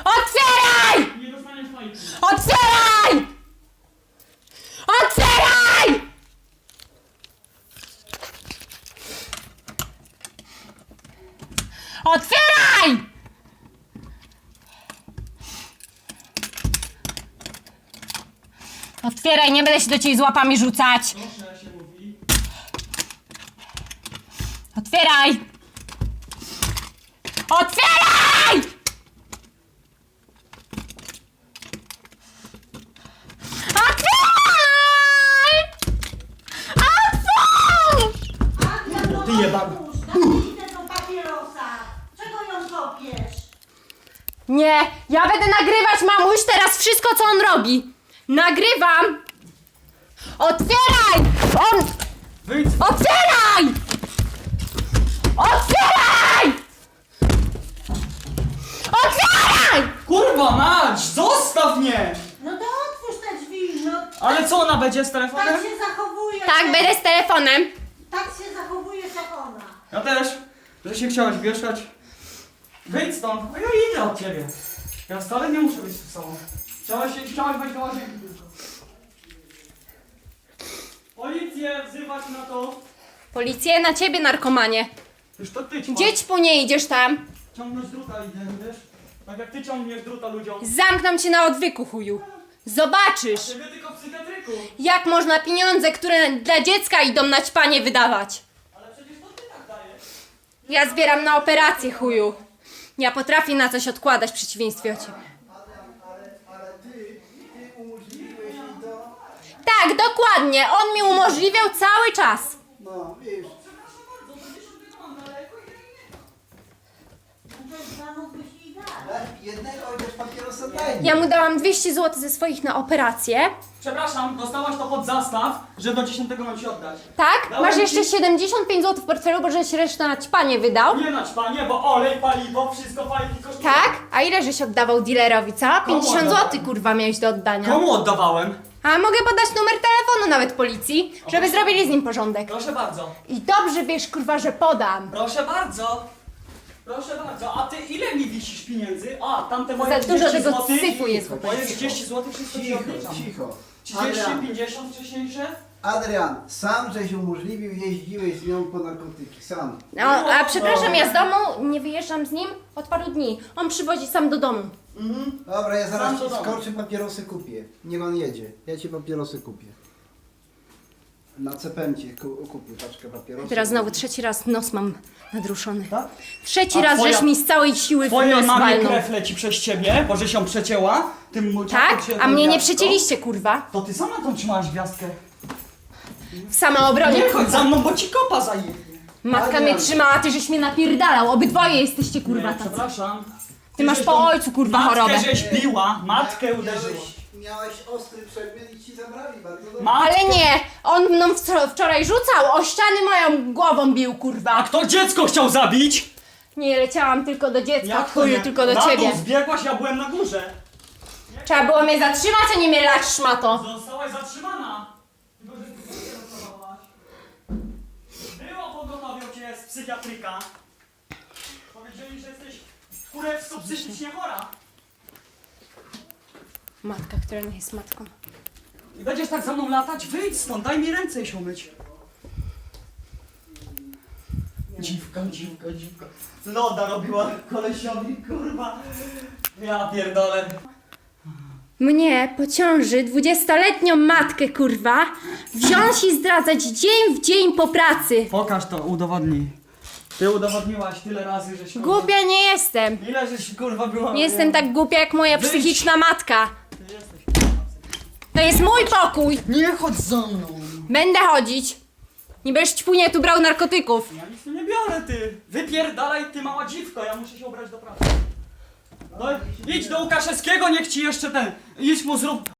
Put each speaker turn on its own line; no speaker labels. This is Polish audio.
Otwieraj!
Nie dostaniesz fajki.
Otwieraj! Otwieraj! Otwieraj! Otwieraj, nie będę się do ciebie z łapami rzucać.
Proszę się mówi.
Otwieraj! Otwieraj! Otwieraj! Otwórz!
Ty jebany.
Daj tego papierosa. Czego ją kopiesz?
Nie, ja będę nagrywać, mamuś, teraz wszystko, co on robi. Nagrywam! Otwieraj! On...
Wyjdź!
Otwieraj! Otwieraj! Otwieraj!
Kurwa mać! Zostaw mnie!
No to otwórz te drzwi, no.
Ale co ona będzie z
Tak
telefonem?
się zachowuje.
Tak, będę z telefonem.
Tak się zachowujesz jak ona.
Ja też. Że się chciałaś wieszać. Wyjdź stąd. A ja idę od ciebie. Ja wcale nie muszę być z sobą. Chciałaś wejść do łazienki tylko. Policję wzywać na to.
Policję na ciebie, narkomanie.
Już to ty ćma.
Gdzie po nie idziesz tam?
Ciągnąć druta idę, wiesz? Tak jak ty ciągniesz druta ludziom.
Zamknę cię na odwyku, chuju. Zobaczysz,
Ciebie tylko w psychiatryku.
jak można pieniądze, które dla dziecka idą na ćpanie, wydawać.
Ale przecież to ty tak dajesz.
Ja zbieram na operację, chuju. Ja potrafię na coś odkładać w przeciwieństwie od ciebie.
Ale ty umożliwiłeś jej to.
Tak, dokładnie. On mi umożliwiał cały czas.
No, wiesz.
No to zamówiłeś jej dać.
Jednego chociaż papierosa daj mi.
Ja mu dałam 200 zł ze swoich na operację.
Przepraszam, dostałaś to pod zastaw, że do 10 mam ci oddać.
Tak?
Dałem
Masz
ci-
jeszcze 75 zł w portfelu, bo żeś resztę na ćpanie wydał.
Nie na ćpanie, bo olej, paliwo, wszystko fajnie kosztuje.
Tak? A ile żeś oddawał dealerowi, co? 50
oddawałem?
zł, kurwa, miałeś do oddania.
Komu oddawałem?
A mogę podać numer telefonu nawet policji, żeby zrobili z nim porządek.
Proszę bardzo.
I dobrze wiesz, kurwa, że podam.
Proszę bardzo. Proszę bardzo. A ty ile mi wisisz pieniędzy? A, tamte moje
Za
30
dużo tego
złotych.
syfu jest w
Moje
ogóle.
30 zł wszystko ci
Cicho,
odliczam.
cicho.
30,
Adrian,
50 wcześniejsze?
Adrian, sam żeś umożliwił, jeździłeś z nią po narkotyki, sam.
No, a przepraszam, ja z domu nie wyjeżdżam z nim od paru dni. On przywozi sam do domu.
Dobra, ja zaraz
Sam do
ci
domu.
skoczę, papierosy kupię. Niech on jedzie. Ja ci papierosy kupię. Na cepemcie kupię paczkę papierosów.
Teraz znowu trzeci raz nos mam nadruszony.
Tak?
Trzeci
A
raz
twoja-
żeś mi z całej siły w
Twojej
nos
mamie
walnął.
krew leci przez ciebie, bo że się przecięła. Tym
Tak?
się
A mnie nie
gwiazdką.
przecięliście, kurwa.
To ty sama tą trzymałaś gwiazdkę.
W samoobronie.
Nie chodź za mną, bo ci kopa zajebie.
Matka
Adrian.
mnie trzymała, ty żeś mnie napierdalał. Obydwoje jesteście, kurwa,
Nie,
tacy.
przepraszam.
Ty masz
żeś
po
tą
ojcu, kurwa, chorobę.
Matkę żeś biła, matkę uderzyła.
Miałeś ostry przedmiot i ci zabrali, bardzo dobrze.
Ale nie, on mną wczoraj rzucał, o ściany moją głową bił,
A
kurwa.
kto dziecko chciał zabić?
Nie, leciałam tylko do dziecka,
Jak to
chuju,
nie?
tylko do
Na
ciebie.
dół zbiegłaś, ja byłem na górze.
Trzeba było mnie zatrzymać, a nie mnie lać, szmato.
Zostałaś zatrzymana. Tylko, że ty nie rozprawowałaś. Było pogotowią cię z psychiatryka. Powiedzieli, że jesteś kurewsko psychicznie chora.
Matka, która nie jest matką.
I będziesz tak za mną latać? Wyjdź stąd, daj mi ręce i się umyć. Dziwka, dziwka, dziwka. Loda robiła kolesiowi, kurwa. Ja pierdolę.
Mnie po ciąży 20-letnią matkę, kurwa, wziąć i zdradzać dzień w dzień po pracy.
Pokaż to, udowodnij. Ty udowodniłaś tyle razy, żeś... kurwa-
Głupia nie jestem.
Ile żeś kurwa była...
Nie jestem tak głupia jak moja
Wyjdź.
psychiczna matka.
Ty jesteś...
To jest mój pokój.
Nie chodź za mną.
Będę chodzić. Nie będziesz ćpunie tu brał narkotyków.
Ja nic tu nie biorę, ty. Wypierdalaj, ty mała dziwko, ja muszę się ubrać do pracy. No, idź do Łukaszewskiego, niech ci jeszcze ten... Idź mu zrób